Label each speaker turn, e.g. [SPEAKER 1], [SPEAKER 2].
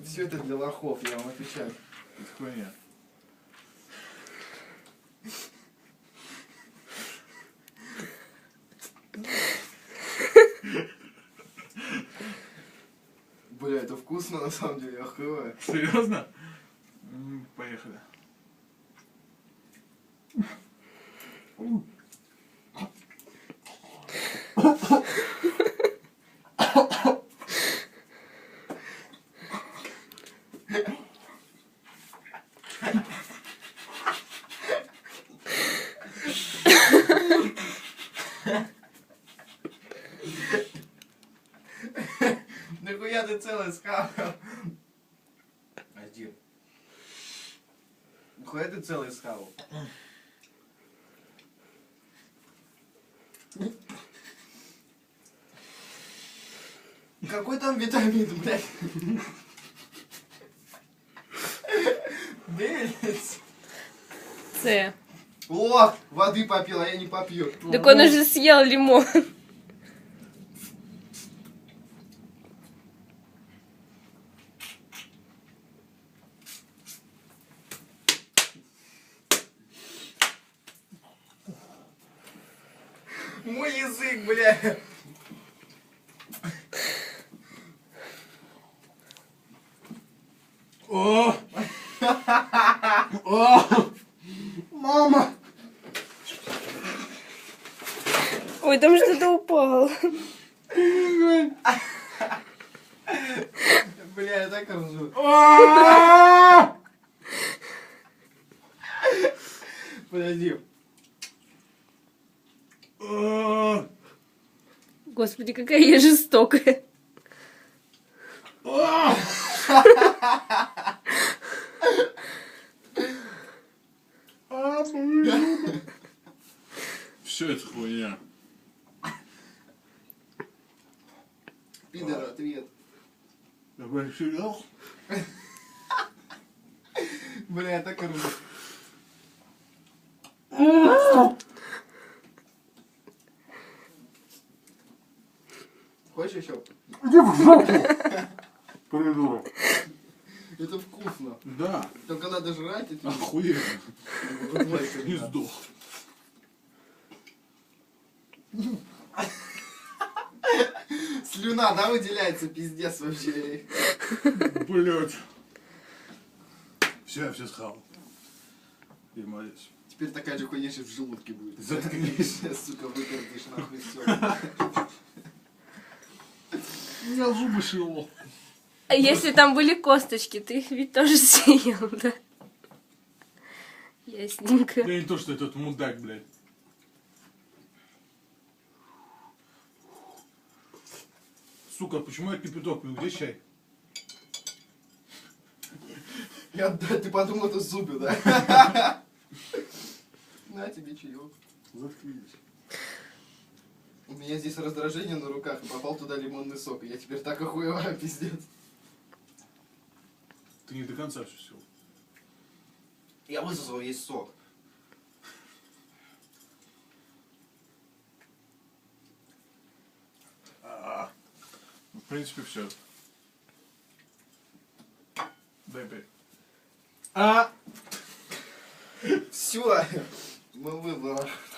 [SPEAKER 1] Все это для лохов, я вам отвечаю.
[SPEAKER 2] Это хуйня.
[SPEAKER 1] Бля, это вкусно на самом деле, охуеваю.
[SPEAKER 2] Серьезно? Поехали.
[SPEAKER 1] Нахуя ты целый схавал? Один. Нахуя ты целый схавал? Какой там витамин, блядь? Белец.
[SPEAKER 3] С.
[SPEAKER 1] О, воды попил, а я не попью.
[SPEAKER 3] Так он уже съел лимон.
[SPEAKER 1] Мой язык, бля.
[SPEAKER 2] О! О! Мама!
[SPEAKER 3] Ой, там что-то упало.
[SPEAKER 1] Бля, я так ржу. Подожди.
[SPEAKER 3] Господи, какая я жестокая.
[SPEAKER 2] Все это хуйня.
[SPEAKER 1] Пидор, ответ.
[SPEAKER 2] Давай сериал.
[SPEAKER 1] Бля, я так ржу. Хочешь еще?
[SPEAKER 2] Иди в жопу! Придурок.
[SPEAKER 1] Это вкусно.
[SPEAKER 2] Да.
[SPEAKER 1] Только надо жрать и
[SPEAKER 2] Охуенно. Не сдох.
[SPEAKER 1] Слюна, да, выделяется, пиздец вообще.
[SPEAKER 2] Блять. Все, я все схавал. И молись.
[SPEAKER 1] Теперь такая же хуйня сейчас в желудке будет.
[SPEAKER 2] Заткнись.
[SPEAKER 1] Сука, выпердишь нахуй все.
[SPEAKER 2] Я зубы съел.
[SPEAKER 3] А если там были косточки, ты их ведь тоже съел, да? Ясненько.
[SPEAKER 2] Я не то, что этот мудак, блядь. Сука, почему я кипяток пью? Где чай?
[SPEAKER 1] Ты подумал, это зубы, да? На тебе чаек.
[SPEAKER 2] Заткнись.
[SPEAKER 1] У меня здесь раздражение на руках, и попал туда лимонный сок. И я теперь так охуеваю, пиздец.
[SPEAKER 2] Ты не до конца все съел.
[SPEAKER 1] Я высосал весь сок.
[SPEAKER 2] В принципе, все. Дай 5.
[SPEAKER 1] Все, мы выбрали.